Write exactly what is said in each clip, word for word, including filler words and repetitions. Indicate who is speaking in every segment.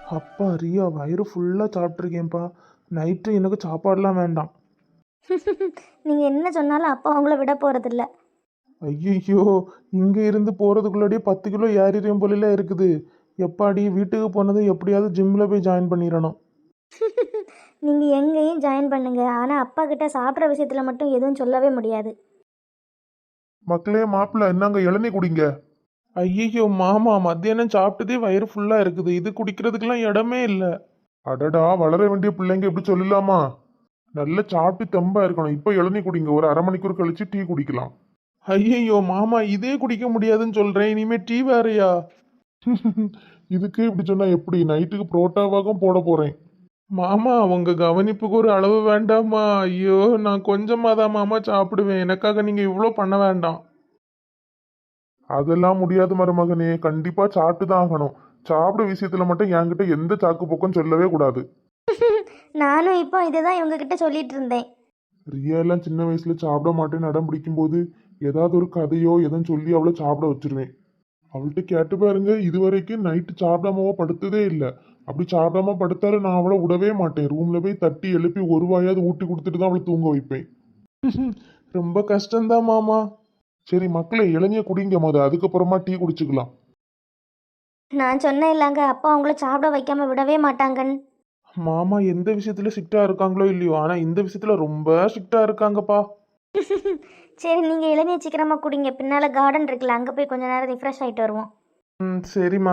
Speaker 1: அப்பா ரியா வயிறு ஃபுல்லாக சாப்பிட்ருக்கேன்ப்பா. நைட்டு எனக்கு சாப்பாடுலாம் வேண்டாம்.
Speaker 2: நீங்கள் என்ன சொன்னாலும் அப்பா உங்களை விட போகிறதில்ல.
Speaker 1: ஐயோ, இங்கே இருந்து போகிறதுக்குள்ளாடியே பத்து கிலோ ஏறிடும் போல இருக்குது. எப்பாடி வீட்டுக்கு போனதும் எப்படியாவது ஜிம்மில் போய் ஜாயின் பண்ணிடணும்.
Speaker 2: நீங்கள் எங்கேயும் ஜாயின் பண்ணுங்க, ஆனால் அப்பா கிட்ட சாப்பிட்ற விஷயத்தில் மட்டும் எதுவும் சொல்லவே முடியாது.
Speaker 3: மக்களே மாப்பிள்ள என்னங்க இளநீ குடிங்க.
Speaker 1: ஐயோ மாமா, மத்தியானம் சாப்பிட்டதே வயிறு ஃபுல்லாக இருக்குது. இது குடிக்கிறதுக்கெல்லாம் இடமே இல்லை.
Speaker 3: அடடா, வளர வேண்டிய பிள்ளைங்க இப்படி சொல்லலாமா? நல்லா சாப்பிட்டு தெம்பா இருக்கணும். இப்போ இளநீ குடிங்க, ஒரு அரை மணிக்கூர் கழிச்சு டீ குடிக்கலாம்.
Speaker 1: ஐயோ மாமா, இதே குடிக்க முடியாதுன்னு சொல்கிறேன், இனிமே டீ வேறையா?
Speaker 3: இதுக்கு இப்படி சொன்னா எப்படி? நைட்டுக்கு புரோட்டாவாகவும் போட போறேன்.
Speaker 1: மாமா, உங்க கவனிப்புக்கு ஒரு அளவு வேண்டாமா? ஐயோ, நான் கொஞ்சமாக தான் மாமா சாப்பிடுவேன். எனக்காக நீங்கள் இவ்வளோ பண்ண வேண்டாம்.
Speaker 3: அதெல்லாம் முடியாது மருமகனே, கண்டிப்பா சாப்பிட்டு தான் ஆகணும். சாப்பிட விஷயத்துல மட்டும் என்கிட்ட எந்த சாக்கு போக்கும் சொல்லவே கூடாது.
Speaker 2: நானும் இப்போ இதுதான் இவங்க கிட்ட சொல்லிட்டு இருந்தேன்.
Speaker 3: ரியா எல்லாம் சின்ன வயசுல சாப்பிட மாட்டேன்னு அடம் பிடிக்கும் போது ஏதாவது ஒரு கதையோ எதுவும் சொல்லி அவளை சாப்பிட வச்சிருவேன். அவள்கிட்ட கேட்டு பாருங்க, இது வரைக்கும் நைட்டு சாப்பிடாமவோ படுத்ததே இல்லை. அப்படி சாப்பிடாம படுத்தாலும் நான் அவளை விடவே மாட்டேன். ரூம்ல போய் தட்டி எழுப்பி ஒரு வாயாவது ஊட்டி கொடுத்துட்டு தான் அவளை தூங்க வைப்பேன்.
Speaker 1: ரொம்ப கஷ்டம்தான் மாமா.
Speaker 3: சரி மக்களே, இளநிய குடிங்க போது, அதுக்கப்புறமா டீ குடிச்சுக்கலாம்.
Speaker 2: நான் சொன்னேன் இல்லைங்க, அப்பா உங்களை சாப்பிட வைக்காம விடவே மாட்டாங்கன்னு.
Speaker 1: மாமா எந்த விஷயத்துல ஸ்ட்ரிக்டா இருக்காங்களோ இல்லையோ, ஆனா இந்த விஷயத்துல ரொம்ப ஸ்ட்ரிக்டா இருக்காங்கப்பா.
Speaker 2: சரி, நீங்கள் இளநீ சீக்கிரமாக குடிங்க. பின்னால் கார்டன் இருக்குல்ல, அங்கே போய் கொஞ்ச நேரம் ரிஃப்ரெஷ் ஆகிட்டு வருவோம்.
Speaker 1: ம் சரிம்மா.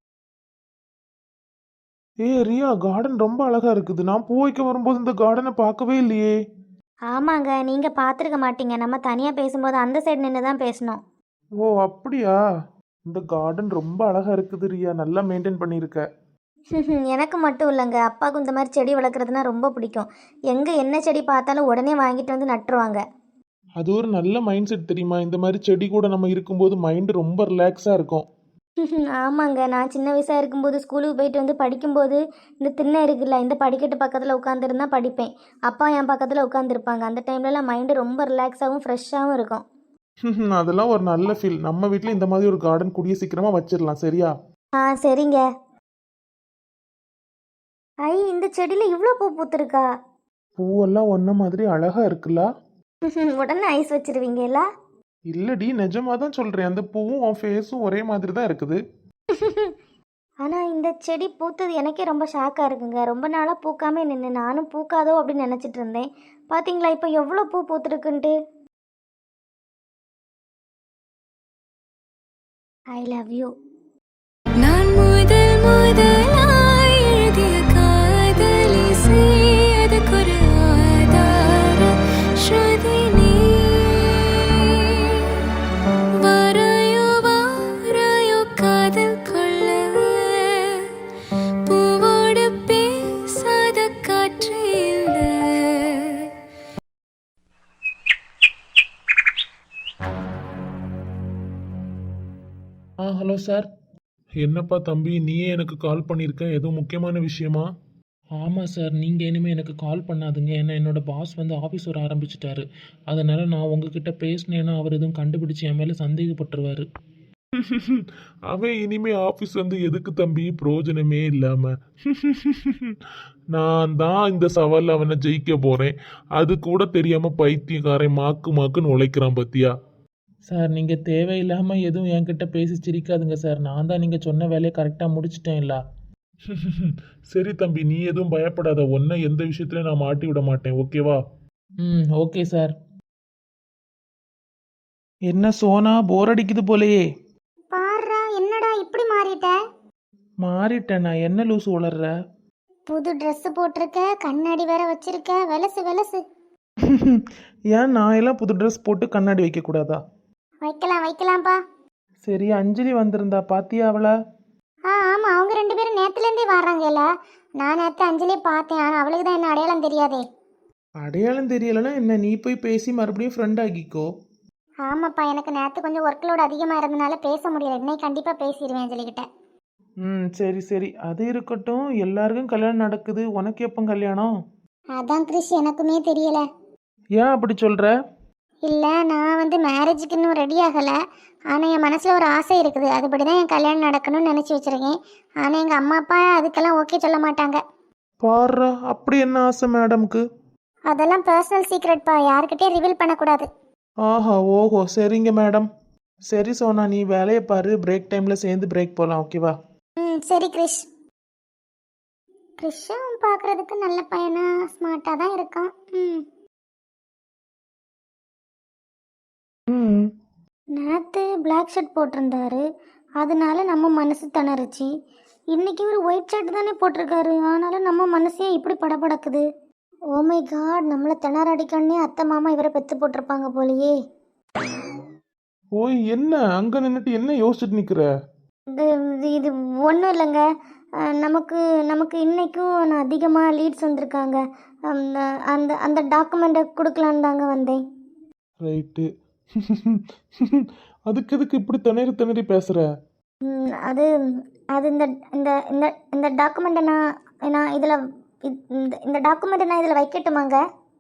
Speaker 1: ஏ ரியா, கார்டன் ரொம்ப அழகா இருக்குது. நான் பூ வைக்க வரும்போது இந்த கார்டனை பார்க்கவே இல்லையே.
Speaker 2: ஆமாங்க, நீங்கள் பார்த்துருக்க மாட்டீங்க. நம்ம தனியாக பேசும்போது அந்த சைடு நின்று தான் பேசணும்.
Speaker 1: ஓ அப்படியா? இந்த கார்டன் ரொம்ப அழகா இருக்குது ரியா, நல்லா மெயின்டைன் பண்ணியிருக்க.
Speaker 2: எனக்கு மட்டும் இல்லைங்க, அப்பாவுக்கும் இந்த மாதிரி செடி வளர்க்குறதுனா ரொம்ப பிடிக்கும். எங்கே என்ன செடி பார்த்தாலும் உடனே வாங்கிட்டு வந்து நட்டுருவாங்க.
Speaker 1: அது ஒரு நல்ல மைண்ட் செட் தெரியுமா? இந்த மாதிரி செடி கூட நம்ம இருக்கும்போது மைண்டு ரொம்ப ரிலாக்ஸாக இருக்கும்.
Speaker 2: ஆமாங்க, நான் சின்ன வயசாக இருக்கும்போது ஸ்கூலுக்கு போயிட்டு வந்து படிக்கும்போது இந்த திண்ணை இருக்குல்ல, இந்த படிக்கட்டு பக்கத்தில் உட்காந்துருந்தா படிப்பேன். அப்பா என் பக்கத்தில் உட்காந்துருப்பாங்க. அந்த டைம்லலாம் மைண்டு ரொம்ப ரிலாக்ஸாகவும் ஃப்ரெஷ்ஷாகவும் இருக்கும்.
Speaker 1: அதெல்லாம் ஒரு நல்ல ஃபீல். நம்ம வீட்டில் இந்த மாதிரி ஒரு கார்டன் கூடிய சீக்கிரமாக வச்சிடலாம், சரியா?
Speaker 2: ஆ சரிங்க. ஐ, இந்த செடியில் இவ்வளோ பூ பூத்துருக்கா?
Speaker 1: பூவெல்லாம் ஒன்றை மாதிரி அழகா இருக்குல்ல?
Speaker 2: உடனே ஐஸ் வச்சிருவீங்கல்ல?
Speaker 1: இல்லடி, நிஜமாக தான் சொல்கிறேன். அந்த பூவும் உன் ஃபேஸும் ஒரே மாதிரி தான் இருக்குது.
Speaker 2: ஆனால் இந்த செடி பூத்தது எனக்கே ரொம்ப ஷாக்காக இருக்குங்க. ரொம்ப நாளாக பூக்காமே நின்று நானும் பூக்காதோ அப்படின்னு நினச்சிட்டு இருந்தேன். பார்த்தீங்களா இப்போ எவ்வளோ பூ பூத்துருக்குன்ட்டு. I love you.
Speaker 4: நான் முதல் முதலாய் எழுதிய காதலி செய்யதுக்கொரு ஆதார ஸ்ருதி நீ. வரையோ வாரையோ காதல் கொள்ள பூவோடு பேசாத காற்று இல்லை.
Speaker 1: Ah hello sir.
Speaker 3: என்னப்பா தம்பி, நீயே எனக்கு கால் பண்ணியிருக்க, எதுவும் முக்கியமான விஷயமா?
Speaker 1: ஆமாம் சார், நீங்கள் இனிமேல் எனக்கு கால் பண்ணாதுங்க. ஏன்னா என்னோடய பாஸ் வந்து ஆஃபீஸ் வர ஆரம்பிச்சிட்டாரு. அதனால் நான் உங்ககிட்ட பேசினேன்னா அவர் எதுவும் கண்டுபிடிச்சி என் மேலே சந்தேகப்பட்டுருவார்.
Speaker 3: அவன் இனிமே ஆபீஸ் வந்து எதுக்கு தம்பி, பிரயோஜனமே இல்லாம. நான் தான் இந்த சவால் அவனை ஜெயிக்க போறேன். அது கூட தெரியாம பைத்தியக்காரன் மாக்கு மாக்குன்னு உழைக்கிறான் பத்தியா.
Speaker 1: சார், நீங்கள் தேவையில்லாமல் எதுவும் என்கிட்ட பேசி சிரிக்காதுங்க சார். நான் தான் நீங்கள் சொன்ன வேலையை கரெக்டாக முடிச்சிட்டேன்ல.
Speaker 3: சரி தம்பி, நீ எதுவும் பயப்படாத. ஒன்ன எந்த விஷயத்துலயும் நான் மாட்டி விட மாட்டேன், ஓகேவா?
Speaker 1: ம் ஓகே சார். என்ன சோனா, போர் அடிக்குது போலையே.
Speaker 2: பாருடா, என்னடா இப்படி மாறிட்ட?
Speaker 1: மாறிட்டேன் நான். என்ன லூசு உளர்ற?
Speaker 2: புது ட்ரெஸ் போட்டிருக்க, கண்ணாடி வேற வச்சிருக்க, வெலசு வெலசு.
Speaker 1: ஏன் நான் எல்லாம் புது ட்ரெஸ் போட்டு கண்ணாடி வைக்கக்கூடாதா?
Speaker 2: வைக்கலாம் வைக்கலாம்ப்பா.
Speaker 1: சரி, அஞ்சலி வந்திருந்தா, பாத்தியா அவளை?
Speaker 2: ஆ ஆமாம், அவங்க ரெண்டு பேரும் நேற்றுலேருந்தே வர்றாங்கல்ல. நான் நேற்று அஞ்சலியை பார்த்தேன், ஆனால் அவளுக்கு தான் என்ன அடையாளம் தெரியாதே.
Speaker 1: அடையாளம் தெரியலைன்னா என்ன, நீ போய் பேசி மறுபடியும் ஃப்ரெண்ட் ஆகிக்கோ.
Speaker 2: ஆமாப்பா, எனக்கு நேற்று கொஞ்சம் ஒர்க் லோடு அதிகமாக இருந்தனால பேச முடியல. இன்னைக்கு கண்டிப்பாக பேசிடுவேன் அஞ்சலிக்கிட்ட.
Speaker 1: ம் சரி சரி, அது இருக்கட்டும். எல்லாருக்கும் கல்யாணம் நடக்குது, உனக்கு எப்போ கல்யாணம்?
Speaker 2: அதான் கிறிஷ், எனக்குமே தெரியல.
Speaker 1: ஏன் அப்படி சொல்கிற?
Speaker 2: இல்லை, நான் வந்து மேரேஜுக்கு இன்னும் ரெடி ஆகலை. ஆனால் என் மனசில் ஒரு ஆசை இருக்குது, அதுபடி தான் என் கல்யாணம் நடக்கணும்னு நினச்சி வச்சுருக்கேன். ஆனால் எங்கள் அம்மா அப்பா அதுக்கெல்லாம் ஓகே சொல்ல மாட்டாங்க.
Speaker 1: பாரு, அப்படி என்ன ஆசை மேடம்க்கு?
Speaker 2: அதெல்லாம் பர்சனல் சீக்ரெட்ப்பா, யாருக்கிட்டே ரிவீல் பண்ணக்கூடாது.
Speaker 1: ஆஹா, ஓஹோ, சரிங்க மேடம். சரி சோனா, நீ வேலையை பாரு, பிரேக் டைமில் சேர்ந்து பிரேக் போகலாம், ஓகேவா?
Speaker 2: ம் சரி கிரிஷ். கிரிஷும் பார்க்குறதுக்கு நல்ல பையனா ஸ்மார்ட்டாக தான் இருக்கான். ம்
Speaker 1: ம்
Speaker 2: நேற்று பிளாக் ஷர்ட் போட்டிருந்தாரு, அதனால நம்ம மனசு திணறுச்சு. இன்னைக்கு இவர் ஒயிட் ஷர்ட் தானே போட்டிருக்காரு, ஆனாலும் நம்ம மனசே இப்படி படபடக்குது. ஓ மை காட், நம்மளை திணற அடிக்கணுன்னே அத்தை மாமா இவரை பெற்று போட்டிருப்பாங்க போலியே.
Speaker 1: ஓய், என்ன அங்கே நின்றுட்டு என்ன யோசிச்சுட்டு நிற்கிற?
Speaker 2: இது இது- இது ஒன்றும் இல்லைங்க. அஹ், நமக்கு நமக்கு இன்னைக்கும் நான் அதிகமாக லீட்ஸ் வந்திருக்காங்க. அந்த அந்த அந்த டாக்குமெண்ட்டை கொடுக்கலான்னு தாங்க வந்தேன்.
Speaker 1: ரைட்டு. அதுக்கு எதுக்கு இப்படி திணறி திணறி பேசுற?
Speaker 2: ம், அது அது இந்த இந்த இந்த இந்த டாக்குமெண்ட்டை நான் நான் இதில் இந்த இந்த டாக்குமெண்ட்டை நான் இதில் வைக்கட்டுமாங்க?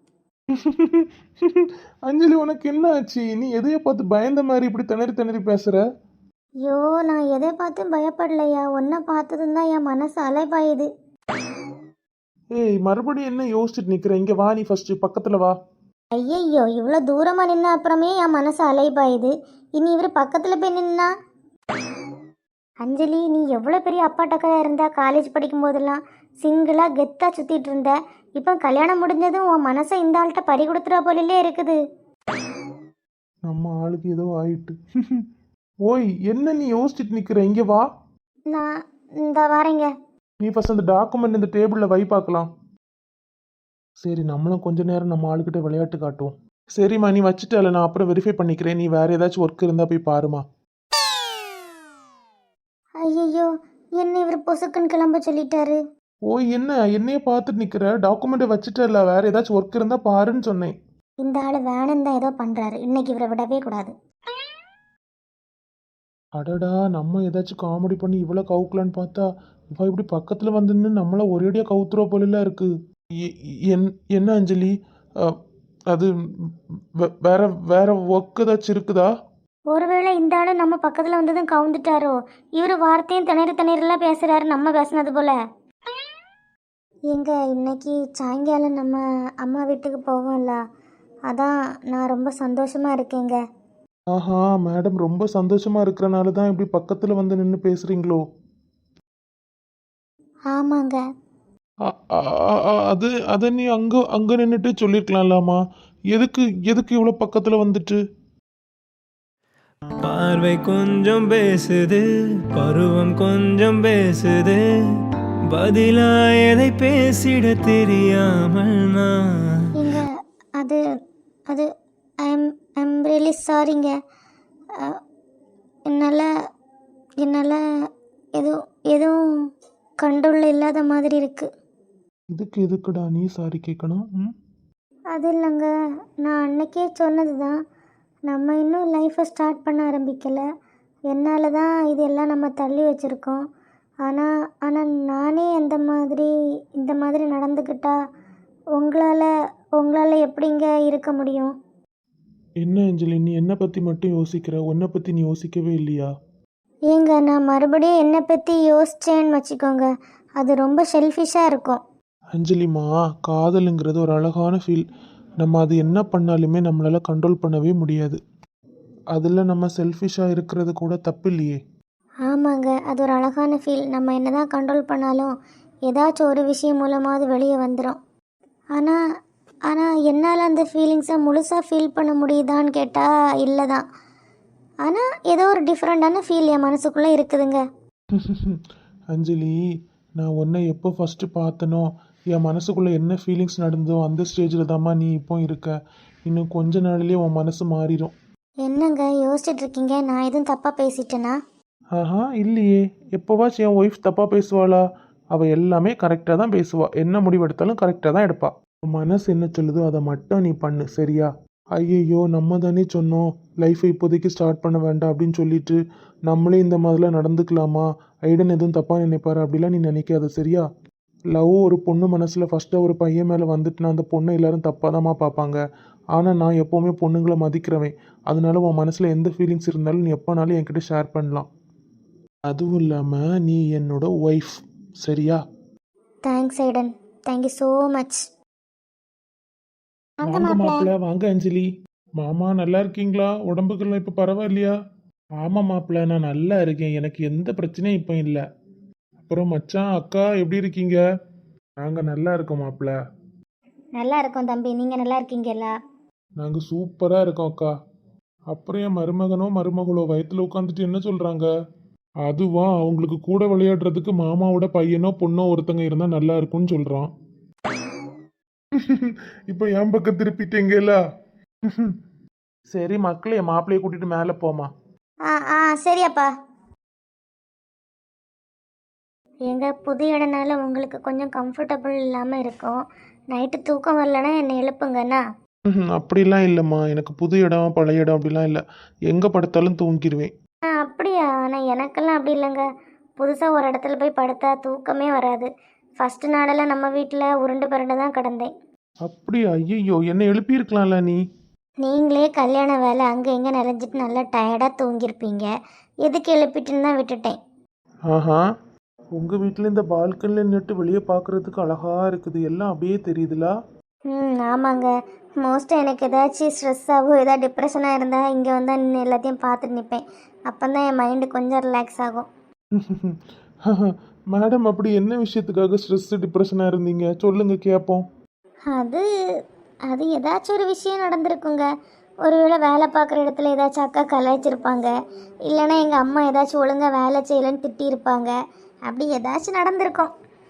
Speaker 1: அஞ்சலி, உனக்கு என்ன ஆச்சு? நீ எதையோ பார்த்து பயந்த மாதிரி இப்படி திணறி திணறி பேசுற?
Speaker 2: ஐயோ, நான் எதை பார்த்தும் பயப்படலையா, ஒன்றை பார்த்ததும் தான் என் மனசு அலைபாயுது.
Speaker 1: ஏய், மறுபடியும் என்ன யோசிச்சுட்டு நிக்கிற? இங்க வா, நீ ஃபர்ஸ்ட் பக்கத்துல வா.
Speaker 2: ஐயையோ, இவ்வளோ தூரமாக நின்ன அப்புறமே என் மனசு அலைபாயுது. இனி இவர் பக்கத்தில் போய் நின்னா. அஞ்சலி, நீ எவ்வளோ பெரிய அப்பாட்டக்கா இருந்தா காலேஜ் படிக்கும் போதெல்லாம் சிங்கிளாக கெத்தாக சுற்றிட்டு இருந்த. இப்போ கல்யாணம் முடிஞ்சதும் உன் மனசை இந்த ஆள்கிட்ட பறி கொடுத்துறா போலிலே இருக்குது.
Speaker 1: நம்ம ஆளுக்கு ஏதோ ஆயிட்டு. ஓய், என்ன நீ யோசிச்சுட்டு நிக்கிற? இங்க வா.
Speaker 2: நான் இந்த வரேங்க.
Speaker 1: நீ ஃபர்ஸ்ட் அந்த டாக்குமெண்ட் இந்த டேபிள்ல வை பார்க்கலாம். சரி, நம்மளும் கொஞ்ச நேரம் நம்ம ஆளுக்கிட்ட விளையாட்டு காட்டுவோம். சரிம்மா, நீ வச்சுட்டல, நான் அப்புறம் வெரிஃபை பண்ணிக்கிறேன். நீ வேற ஏதாச்சும் ஒர்க் இருந்தா போய் பாருமா.
Speaker 2: ஐயையோ, என்ன இவர் பொசுக்குன்னு கிளம்ப சொல்லிட்டாரு.
Speaker 1: ஓய், என்ன என்னைய பார்த்துட்டு நிக்கிற? டாக்குமெண்ட் வச்சுட்டல, வேற ஏதாச்சும் ஒர்க் இருந்தா பாருன்னு சொன்னேன்.
Speaker 2: இந்த ஆள் வேணுன்னு தான் ஏதோ பண்ணுறாரு, இன்னைக்கு இவரை விடவே கூடாது.
Speaker 1: அடடா, நம்ம ஏதாச்சும் காமெடி பண்ணி இவ்வளோ கவுக்கலான்னு பார்த்தா இவ இப்படி பக்கத்துல வந்து நின்னு நம்மள ஒரேடியா கவுத்துறோ போல இருக்கு. எ- என்- என்ன அஞ்சலி, அஹ், அது வே- வேற வேற ஒர்க் ஏதாச்சும் இருக்குதா?
Speaker 2: ஒருவேளை இந்த ஆளு நம்ம பக்கத்தில் வந்ததும் கவுந்துட்டாரோ? இவர் வார்த்தையும் திணறு திணறலாம் பேசுகிறாரு, நம்ம பேசுனது போல. எங்க இன்னைக்கு சாயங்காலம் நம்ம அம்மா வீட்டுக்கு போவோம்ல, அதான் நான் ரொம்ப சந்தோஷமா இருக்கேங்க.
Speaker 1: ஆஹா, மேடம் ரொம்ப சந்தோஷமா இருக்கிறனால தான் இப்படி பக்கத்துல வந்து நின்று பேசுறீங்களோ?
Speaker 2: ஆமாங்க.
Speaker 1: அ- அ- அ- அ- அது அதை நீ அங்க அங்க நின்றுட்டு சொல்லிருக்கலாம்லாமா? எதுக்கு எதுக்கு இவ்வளோ பக்கத்துல வந்துட்டு?
Speaker 5: பார்வை கொஞ்சம் பேசுது, பருவம் கொஞ்சம் பேசுது, பதிலா எதை பேசிட தெரியாமல் நான்.
Speaker 2: எங்க அது அது I am I am really சாரிங்க. என்னால் என்னால் எதுவும் எதுவும் கண்ட்ரோலில் இல்லாத மாதிரி இருக்குது.
Speaker 1: இதுக்கு எதுக்குடா நீ சாரி கேட்கணும்? ம்?
Speaker 2: அது இல்லைங்க, நான் அன்னைக்கே சொன்னது தான், நம்ம இன்னும் லைஃப்பை ஸ்டார்ட் பண்ண ஆரம்பிக்கலை. என்னால் தான் இதெல்லாம் நம்ம தள்ளி வச்சுருக்கோம். ஆனால் ஆனால் நானே அந்த மாதிரி இந்த மாதிரி நடந்துக்கிட்டா உங்களால் உங்களால் எப்படிங்க இருக்க முடியும்?
Speaker 1: என்ன அஞ்சலி, நீ என்னை பத்தி மட்டும் யோசிக்கிற, உன்னை பத்தி நீ யோசிக்கவே இல்லையா?
Speaker 2: ஏங்க, நான் மறுபடியும் என்னை பற்றி யோசிச்சேன்னு வச்சுக்கோங்க, அது ரொம்ப செல்ஃபிஷாக இருக்கும்.
Speaker 1: அஞ்சலிமா, காதலுங்கிறது ஒரு அழகான ஃபீல். நம்ம அது என்ன பண்ணாலுமே நம்மளால கண்ட்ரோல் பண்ணவே முடியாது. அதில் நம்ம செல்ஃபிஷாக இருக்கிறது கூட தப்பு இல்லையே.
Speaker 2: ஆமாங்க, அது ஒரு அழகான ஃபீல். நம்ம என்ன தான் கண்ட்ரோல் பண்ணாலும் ஏதாச்சும் ஒரு விஷயம் மூலமாவது வெளியே வந்துடும். ஆனால் ஆனால் என்னால் அந்த ஃபீலிங்ஸை முழுசாக ஃபீல் பண்ண முடியுதான்னு கேட்டால் இல்லை தான். ஆனால் ஏதோ ஒரு டிஃப்ரெண்ட்டான ஃபீல் என் மனசுக்குள்ளே இருக்குதுங்க.
Speaker 1: அஞ்சலி, நான் உன்னை எப்போ ஃபஸ்ட்டு பார்த்தனோ என் மனசுக்குள்ளே என்ன ஃபீலிங்ஸ் நடந்ததோ அந்த ஸ்டேஜில் தாம்மா நீ இப்போ இருக்க. இன்னும் கொஞ்ச நாள்லேயே உன் மனசு மாறிடும்.
Speaker 2: என்னங்க யோசிச்சுட்டு இருக்கீங்க? நான் எதுவும் தப்பாக பேசிட்டேனா?
Speaker 1: ஆஹா, இல்லையே. எப்போவாச்சும் என் ஒய்ஃப் தப்பாக பேசுவாளா? அவள் எல்லாமே கரெக்டாக தான் பேசுவா. என்ன முடிவு எடுத்தாலும் கரெக்டாக தான் எடுப்பா. உன் மனசு என்ன சொல்லுதோ அதை மட்டும் நீ பண்ணு, சரியா? ஐயையோ, நம்ம தானே சொன்னோம் லைஃப்பை இப்போதைக்கு ஸ்டார்ட் பண்ண வேண்டாம் அப்படின்னு சொல்லிட்டு நம்மளே இந்த மாதிரிலாம் நடந்துக்கலாமா? ஐடன் எதுவும் தப்பாக நினைப்பாரு அப்படிலாம் நீ நினைக்காத, சரியா? லவ் ஒரு பொண்ணு மனசில் ஃபஸ்ட்டு ஒரு பையன் மேலே வந்துட்டுனா அந்த பொண்ணை எல்லாரும் தப்பாக தான்மா பார்ப்பாங்க. ஆனால் நான் எப்போவுமே பொண்ணுங்களை மதிக்கிறவன். அதனால உன் மனசில் எந்த ஃபீலிங்ஸ் இருந்தாலும் நீ எப்போனாலும் என்கிட்ட ஷேர் பண்ணலாம். அதுவும் இல்லாமல் நீ என்னோட ஒய்ஃப், சரியா?
Speaker 2: தேங்க்ஸ் ஐடன், தேங்க்யூ ஸோ மச். வாங்க
Speaker 1: வாங்க
Speaker 2: மாப்பிள்ள.
Speaker 1: மாப்பிள்ள, வாங்க அஞ்சலி. மாமா நல்லா இருக்கீங்களா? உடம்புக்கெல்லாம் இப்போ பரவாயில்லையா? ஆமாம் மாப்பிள்ள, நான் நல்லா இருக்கேன். எனக்கு எந்த பிரச்சனையும் இப்போ இல்லை. அப்புறம் மச்சான் அக்கா எப்படி இருக்கீங்க? நாங்கள் நல்லா இருக்கோம் மாப்பிள்ள.
Speaker 2: நல்லா இருக்கோம் தம்பி, நீங்கள் நல்லா இருக்கீங்களா?
Speaker 1: நாங்கள் சூப்பராக இருக்கோம் அக்கா. அப்புறம் என் மருமகனோ மருமகளோ வயிற்றுல உட்காந்துட்டு என்ன சொல்கிறாங்க? அதுவா, அவங்களுக்கு கூட விளையாடுறதுக்கு மாமாவோட பையனோ பொண்ணோ ஒருத்தங்க இருந்தால் நல்லா இருக்கும்னு சொல்கிறான். இப்போ என் பக்கம் திருப்பிட்டீங்கல்ல. சரி மக்களே, மாப்பிள்ளையை கூட்டிட்டு மேலே போமா.
Speaker 2: ஆ ஆ சரியாப்பா. எங்கள் புது இடனால உங்களுக்கு கொஞ்சம் கம்ஃபர்டபுள் இல்லாமல் இருக்கும். நைட்டு தூக்கம் வரலன்னா என்னை எழுப்புங்கண்ணா.
Speaker 1: ம்ஹும், அப்படிலாம் இல்லைம்மா. எனக்கு புது இடம் பழைய இடம் அப்படிலாம் இல்லை. எங்கே படுத்தாலும் தூங்கிடுவேன்.
Speaker 2: ஆ அப்படியா? ஆனால் எனக்கெல்லாம் அப்படி இல்லைங்க. புதுசாக ஒரு இடத்துல போய் படுத்தா தூக்கமே வராது. ஃபஸ்ட்டு நாளெல்லாம் நம்ம வீட்டில் உருண்டு பருண்டு தான் கிடந்தேன்.
Speaker 1: அப்படியா? ஐயோ, என்னை எழுப்பியிருக்கலாம்ல நீ.
Speaker 2: நீங்களே கல்யாண வேலை அங்கே எங்கே நிறைஞ்சிட்டு நல்லா டயர்டாக தூங்கியிருப்பீங்க. எதுக்கு எழுப்பிட்டுன்னு தான் விட்டுட்டேன்.
Speaker 1: ஆஹா, உங்கள் வீட்டில் இந்த பால்கனியில் நின்றுட்டு வெளியே பார்க்குறதுக்கு அழகாக இருக்குது. எல்லாம் அப்படியே தெரியுதுலா?
Speaker 2: ம் ஆமாங்க. மோஸ்ட்டாக எனக்கு ஏதாச்சும் ஸ்ட்ரெஸ்ஸாகவோ ஏதாவது டிப்ரெஷனாக இருந்தால் இங்கே வந்தால் நின்று எல்லாத்தையும் பார்த்துட்டு நிற்பேன். அப்போ தான் என் மைண்டு கொஞ்சம் ரிலாக்ஸ் ஆகும்.
Speaker 1: மேடம், அப்படி என்ன விஷயத்துக்காக ஸ்ட்ரெஸ் டிப்ரெஷனாக இருந்தீங்க? சொல்லுங்க கேட்போம்.
Speaker 2: அது அது ஏதாச்சும் ஒரு விஷயம் நடந்திருக்குங்க. ஒருவேளை வேலை பார்க்குற இடத்துல ஏதாச்சும் அக்கா கலாய்ச்சிருப்பாங்க. இல்லைன்னா எங்கள் அம்மா ஏதாச்சும் ஒழுங்காக வேலை செய்யலைன்னு திட்டியிருப்பாங்க. அப்படி ஏதாச்சும் நடந்திருக்கும்.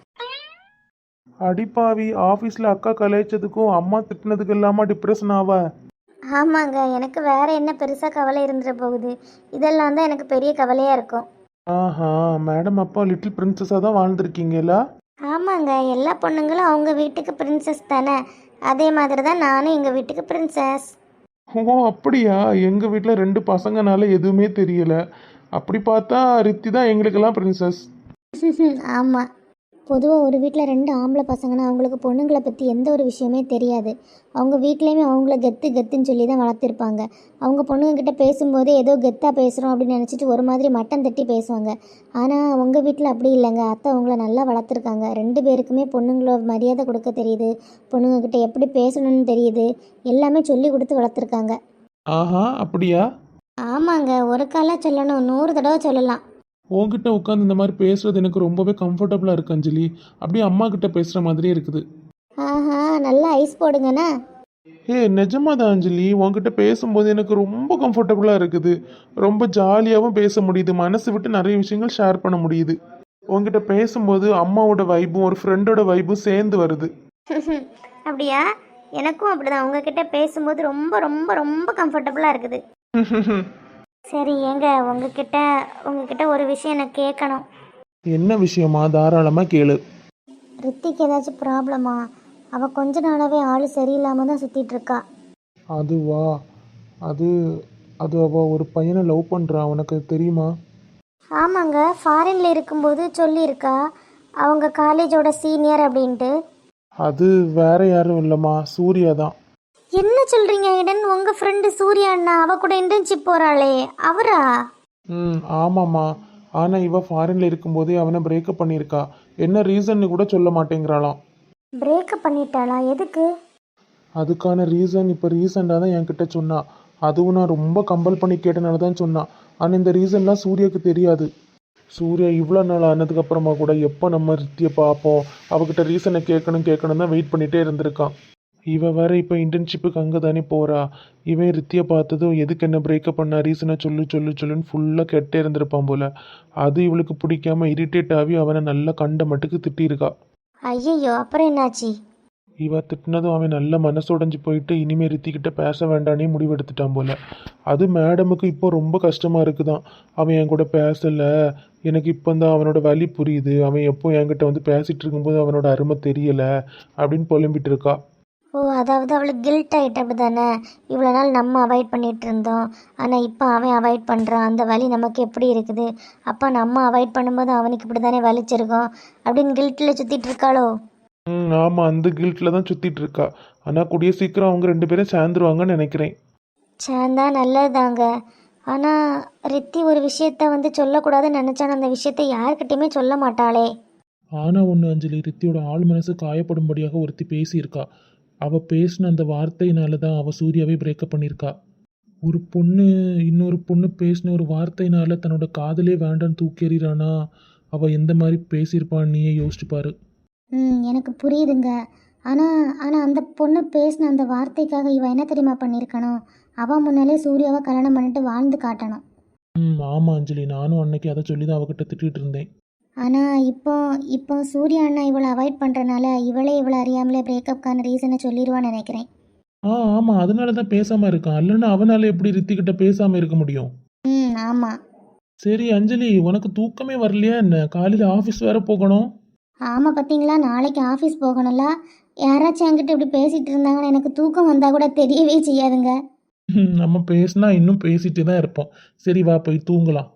Speaker 1: அடிப்பாவி, ஆஃபீஸில் அக்கா கலாய்ச்சதுக்கும் அம்மா திட்டினதுக்கு இல்லாமல் டிப்ரெஷன் ஆவா?
Speaker 2: ஆமாங்க, எனக்கு வேறு என்ன பெருசாக கவலை இருந்துட போகுது. இதெல்லாம் தான் எனக்கு பெரிய கவலையாக இருக்கும்.
Speaker 1: ஆஹா, மேடம் அப்பா லிட்டில் பிரின்சஸாக தான் வாழ்ந்துருக்கீங்களா?
Speaker 2: ஆமாங்க, எல்லா பொண்ணுங்களும் அவங்க வீட்டுக்கு பிரின்சஸ் தானே. அதே மாதிரி தான் நானும் எங்கள் வீட்டுக்கு பிரின்சஸ்.
Speaker 1: ஓ அப்படியா? எங்கள் வீட்டில் ரெண்டு பசங்கனால எதுவுமே தெரியலை. அப்படி பார்த்தா ரித்தி தான் எங்களுக்கெல்லாம் பிரின்சஸ்.
Speaker 2: ஆமாம், பொதுவாக ஒரு வீட்டில் ரெண்டு ஆம்பளை பசங்கன்னா அவங்களுக்கு பொண்ணுங்களை பற்றி எந்த ஒரு விஷயமே தெரியாது. அவங்க வீட்லேயுமே அவங்கள கெத்து கெத்துன்னு சொல்லி தான் வளர்த்துருப்பாங்க. அவங்க பொண்ணுங்கக்கிட்ட பேசும்போதே ஏதோ கெத்தாக பேசுகிறோம் அப்படின்னு நினச்சிட்டு ஒரு மாதிரி மட்டம் தட்டி பேசுவாங்க. ஆனால் உங்கள் வீட்டில் அப்படி இல்லைங்க. அத்தை அவங்கள நல்லா வளர்த்துருக்காங்க. ரெண்டு பேருக்குமே பொண்ணுங்கள மரியாதை கொடுக்க தெரியுது, பொண்ணுங்கக்கிட்ட எப்படி பேசணும்னு தெரியுது, எல்லாமே சொல்லி கொடுத்து வளர்த்துருக்காங்க.
Speaker 1: ஆஹா, அப்படியா?
Speaker 2: ஆமாங்க, ஒரு காலாக சொல்லணும், நூறு தடவை சொல்லலாம்.
Speaker 1: உங்ககிட்ட உட்காந்து இந்த மாதிரி பேசுறது எனக்கு ரொம்பவே கம்ஃபர்டபுளாக இருக்கு அஞ்சலி. அப்படியே அம்மா கிட்ட பேசுகிற மாதிரியே இருக்குது.
Speaker 2: ஆஹா, நல்லா ஐஸ் போடுங்கண்ணா.
Speaker 1: ஏ நிஜமா தான் அஞ்சலி, உங்ககிட்ட பேசும்போது எனக்கு ரொம்ப கம்ஃபர்டபுளாக இருக்குது. ரொம்ப ஜாலியாகவும் பேச முடியுது. மனசு விட்டு நிறைய விஷயங்கள் ஷேர் பண்ண முடியுது. உங்ககிட்ட பேசும்போது அம்மாவோட வைப்பும் ஒரு ஃப்ரெண்டோட வைப்பும் சேர்ந்து வருது.
Speaker 2: அப்படியா? எனக்கும் அப்படிதான். உங்ககிட்ட பேசும்போது ரொம்ப ரொம்ப ரொம்ப கம்ஃபர்டபுளாக இருக்குது. சரி, ஏங்க உங்ககிட்ட உங்ககிட்ட ஒரு விஷயம் எனக்கு கேட்கணும்.
Speaker 1: என்ன விஷயமா? தாராளமாக கேளு.
Speaker 2: ரித்திக்கு ஏதாச்சும் ப்ராப்ளமா? அவள் கொஞ்ச நாளாகவே ஆள் சரியில்லாமல் தான் சுற்றிட்டு இருக்கா.
Speaker 1: அதுவா? அது அது அவள் ஒரு பையனை லவ் பண்ணுறா. உனக்கு தெரியுமா?
Speaker 2: ஆமாங்க, ஃபாரின்ல இருக்கும்போது சொல்லியிருக்கா அவங்க காலேஜோட சீனியர் அப்படின்ட்டு.
Speaker 1: அது வேற யாரும் இல்லைம்மா, சூர்யா தான்.
Speaker 2: என்ன சொல்கிறீங்க ஐடன்? உங்கள் ஃப்ரெண்டு சூர்யா அண்ணா அவ கூட இன்டர்ன்ஷிப் போகிறாளே, அவரா?
Speaker 1: ம் ஆமாம்மா. ஆனால் இவ ஃபாரினில் இருக்கும்போதே அவனை பிரேக்கப் பண்ணியிருக்கா. என்ன ரீசன்னு கூட சொல்ல மாட்டேங்கிறாளாம்.
Speaker 2: பிரேக்கப் பண்ணிட்டாளா? எதுக்கு?
Speaker 1: அதுக்கான ரீசன் இப்போ ரீசெண்டாக தான் என்கிட்ட சொன்னா. அதுவும் நான் ரொம்ப கம்பல் பண்ணி கேட்டனால தான் சொன்னான். ஆனால் இந்த ரீசன்லாம் சூர்யாவுக்கு தெரியாது. சூர்யா இவ்வளோ நாள் ஆனதுக்கப்புறமா கூட எப்போ நம்ம ரித்தியை பார்ப்போம், அவகிட்ட ரீசனை கேட்கணும் கேட்கணும் தான் வெயிட் பண்ணிகிட்டே இருந்திருக்கான். இவ வேற இப்போ இன்டர்ன்ஷிப்புக்கு அங்கே தானே போகிறா. இவன் ரித்தியை பார்த்ததும் எதுக்கு என்ன பிரேக்கப் பண்ணா, ரீசனை சொல்லு சொல்லு சொல்லுன்னு ஃபுல்லாக கெட்டே இருந்திருப்பான் போல். அது இவளுக்கு பிடிக்காம இரிட்டேட் ஆகி அவனை நல்லா கண்ட மட்டுக்கு திட்டியிருக்கா.
Speaker 2: ஐயோ, அப்புறம் என்னாச்சு?
Speaker 1: இவ திட்டினதும் அவன் நல்ல மனசுடைஞ்சு போயிட்டு இனிமேல் ரித்திக்கிட்ட பேச வேண்டானே முடிவெடுத்துட்டான் போல். அது மேடமுக்கு இப்போ ரொம்ப கஷ்டமாக இருக்குதான். அவன் என் கூட பேசலை, எனக்கு இப்போ தான் அவனோட வலி புரியுது, அவன் எப்போ என்கிட்ட வந்து பேசிகிட்டு இருக்கும்போது அவனோட அருமை தெரியலை அப்படின்னு புலம்பிட்டு இருக்கா.
Speaker 2: ஓ ஓ, அதாவது அவளுக்கு கில்ட் ஆகிட்ட அப்படி தானே. இவ்வளோ நாள் நம்ம அவாய்ட் பண்ணிகிட்டு இருந்தோம், ஆனால் இப்போ அவன் அவாய்ட் பண்ணுறான், அந்த வலி நமக்கு எப்படி இருக்குது, அப்போ நம்ம அவாய்ட் பண்ணும்போது அவனுக்கு இப்படி தானே வலிச்சிருக்கோம் அப்படின்னு கில்ட்டில் சுற்றிட்டு இருக்காளோ.
Speaker 1: ம் ஆமாம், அந்த கில்ட்டில் தான் சுற்றிட்டு இருக்கா. ஆனால் கூடிய சீக்கிரம் அவங்க ரெண்டு பேரும் சேர்ந்துருவாங்கன்னு நினைக்கிறேன்.
Speaker 2: சேர்ந்தா நல்லதுதாங்க. ஆனால் ரித்தி ஒரு விஷயத்த வந்து சொல்லக்கூடாதுன்னு நினச்சான அந்த விஷயத்த யார்கிட்டையுமே சொல்ல மாட்டாளே.
Speaker 1: ஆனால் ஒன்று அஞ்சலி, ரித்தியோட ஆள் மனசு காயப்படும்படியாக ஒருத்தி பேசியிருக்கா. அவள் பேசின அந்த வார்த்தையினால தான் அவள் சூர்யாவே பிரேக்கப் பண்ணியிருக்கா. ஒரு பொண்ணு இன்னொரு பொண்ணு பேசின ஒரு வார்த்தையினால தன்னோட காதலே வேண்டான்னு தூக்கி எறிறானா, அவள் எந்த மாதிரி பேசியிருப்பான்னு நீயே யோசிச்சு பாரு.
Speaker 2: ம் எனக்கு புரியுதுங்க. ஆனால் ஆனால் அந்த பொண்ணு பேசின அந்த வார்த்தைக்காக இவன் என்ன தெரியுமா பண்ணியிருக்கணும், அவன் முன்னாலே சூர்யாவை கல்யாணம் பண்ணிட்டு வாழ்ந்து காட்டணும்.
Speaker 1: ம் ஆமாம் அஞ்சலி, நானும் அன்னைக்கு அதை சொல்லி தான் அவகிட்ட திட்டிகிட்டு இருந்தேன்.
Speaker 2: ஆனால் இப்போ இப்போ சூர்யா அண்ணா இவளை அவாய்ட் பண்ணுறனால இவளே இவளை அறியாமலே பிரேக்கப்கான ரீசனை சொல்லிடுவான்னு நினைக்கிறேன்.
Speaker 1: ஆ ஆமாம், அதனால தான் பேசாமல் இருக்கான். இல்லைன்னா அவனால் எப்படி ரித்திக்கிட்ட பேசாமல் இருக்க முடியும்?
Speaker 2: ம் ஆமாம்.
Speaker 1: சரி அஞ்சலி, உனக்கு தூக்கமே வரலையா என்ன? காலையில் ஆஃபீஸ் வேற போகணும்.
Speaker 2: ஆமாம், பார்த்தீங்களா, நாளைக்கு ஆஃபீஸ் போகணும்ல. யாராச்சும் என்கிட்ட இப்படி பேசிகிட்டு இருந்தாங்கன்னு எனக்கு தூக்கம் வந்தால் கூட தெரியவே செய்யாதுங்க.
Speaker 1: நம்ம பேசினா இன்னும் பேசிட்டு தான் இருப்போம். சரி வா, போய் தூங்கலாம்.